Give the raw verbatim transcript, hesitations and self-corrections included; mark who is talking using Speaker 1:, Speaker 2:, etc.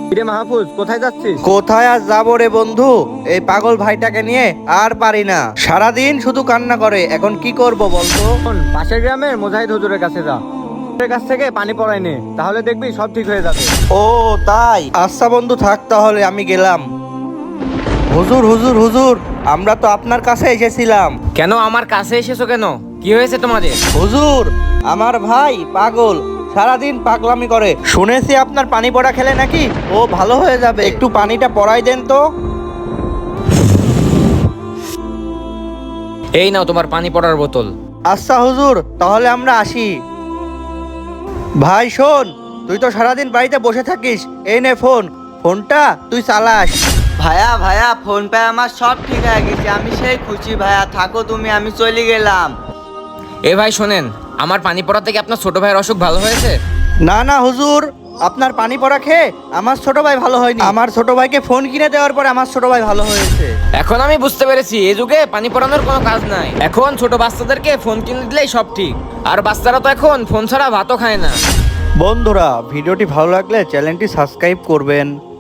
Speaker 1: কিরে মাহফুজ, কোথায় যাচ্ছিস?
Speaker 2: কোথায় আর যাবো রে বন্ধু, এই পাগল ভাইটাকে নিয়ে আর পারি না। সারাদিন শুধু কান্না করে, এখন কি করব বলতো?
Speaker 1: শোন, পাশের গ্রামের মুজাহিদ হুজুরের কাছে যা। হুজুরের কাছ থেকে পানি পড়াই নে, তাহলে দেখবি সব ঠিক হয়ে যাবে।
Speaker 2: ও তাই, আচ্ছা বন্ধু থাক, তাহলে আমি গেলাম। হুজুর হুজুর হুজুর, আমরা তো আপনার কাছে এসেছিলাম।
Speaker 3: কেন আমার কাছে এসেছো কেন? কি হয়েছে তোমাদের?
Speaker 2: হুজুর, আমার ভাই পাগল, সারাদিন পাগলামি করে। শুনেছি আপনার পানি পড়া খেলে নাকি ও ভালো হয়ে যাবে, একটু পানিটা পড়াই দেন তো।
Speaker 3: এই নাও তোমার পানি পড়ার বোতল।
Speaker 2: আচ্ছা হুজুর, তাহলে আমরা আসি। ভাই শোন, তুই তো সারাদিন বাড়িতে বসে থাকিস, এই নে ফোন, ফোনটা তুই চালাস।
Speaker 4: ভাইয়া ভাইয়া ফোন পেয়ে আমার সব ঠিক হয়ে গেছে, আমি সেই খুশি। ভাইয়া থাকো তুমি, আমি চলে গেলাম।
Speaker 3: এ ভাই শোনেন, আমার পানি পড়া থেকে আপনার ছোট ভাইয়ের অসুখ ভালো হয়েছে?
Speaker 2: না না হুজুর, আপনার পানি পড়া খেয়ে আমার ছোট ভাই ভালো হয়নি, আমার ছোট ভাইকে ফোন কিনে দেওয়ার পরে আমার ছোট ভাই ভালো হয়েছে।
Speaker 3: এখন আমি বুঝতে পেরেছি এই যুগে পানি পড়ানোর কোনো কাজ নাই। এখন ছোট বাচ্চাদেরকে ফোন কিনে দিলেই সব ঠিক। আর বাচ্চারা তো এখন ফোন ছাড়া ভাতও খায় না।
Speaker 2: বন্ধুরা, ভিডিওটি ভালো লাগলে চ্যানেলটি সাবস্ক্রাইব করবেন।